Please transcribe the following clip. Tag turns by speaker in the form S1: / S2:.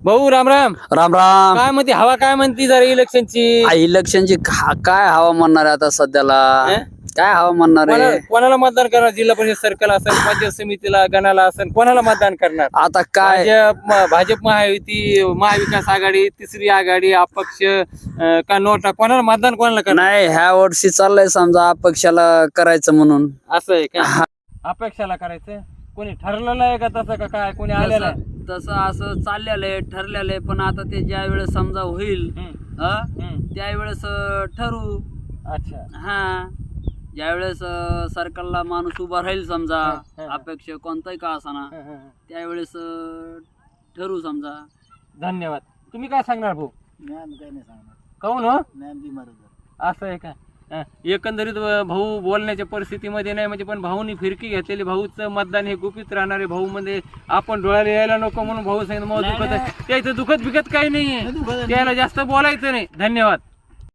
S1: भाऊ राम राम.
S2: राम राम.
S1: काय म्हणते हवा, काय म्हणते जरा इलेक्शनची?
S2: इलेक्शनची काय हवा म्हणणार आहे आता सध्याला?
S1: हं?
S2: काय हवा म्हणणार आहे
S1: कोणाला मतदान करणार? जिल्हा परिषद सर्कल असेल, पंचायत समितीला, गणाला असेल, कोणाला मतदान करणार?
S2: आता? काय
S1: भाजप महायुती, महाविकास आघाडी, तिसरी आघाडी, अपक्ष का नोटा? कोणाला मतदान कोणाला करणार?
S2: नाही, ह्या वर्षी चाललंय समजा अपक्षाला करायचं म्हणून.
S1: असं आहे का? अपेक्षाला करायचं? कोणी ठरलेलं आहे का तसं, का काय कोणी आलेलं आहे?
S2: तसं असं चाललेलं आहे, ठरलेलं आहे, पण आता ते ज्या वेळेस समजा होईल त्यावेळेस ठरवू.
S1: अच्छा.
S2: हा, ज्यावेळेस सरकारला माणूस उभा राहील समजा, अपेक्ष कोणताही का असाना, त्यावेळेस ठरवू समजा.
S1: धन्यवाद. तुम्ही काय सांगणार भाऊ?
S3: काही नाही सांगणार.
S1: काहून हो?
S3: बिमार
S1: असं आहे का? एकंदरीत भाऊ बोलण्याच्या परिस्थितीमध्ये नाही, म्हणजे पण भाऊनी फिरकी घेतलेली, भाऊचं मतदान हे गुपित राहणार आहे. भाऊ मध्ये आपण डोळ्याला यायला नको म्हणून भाऊ सांगितलं, मला दुखत आहे. त्याचं दुखत बिकत काही नाहीये, त्याला जास्त बोलायचं नाही. धन्यवाद.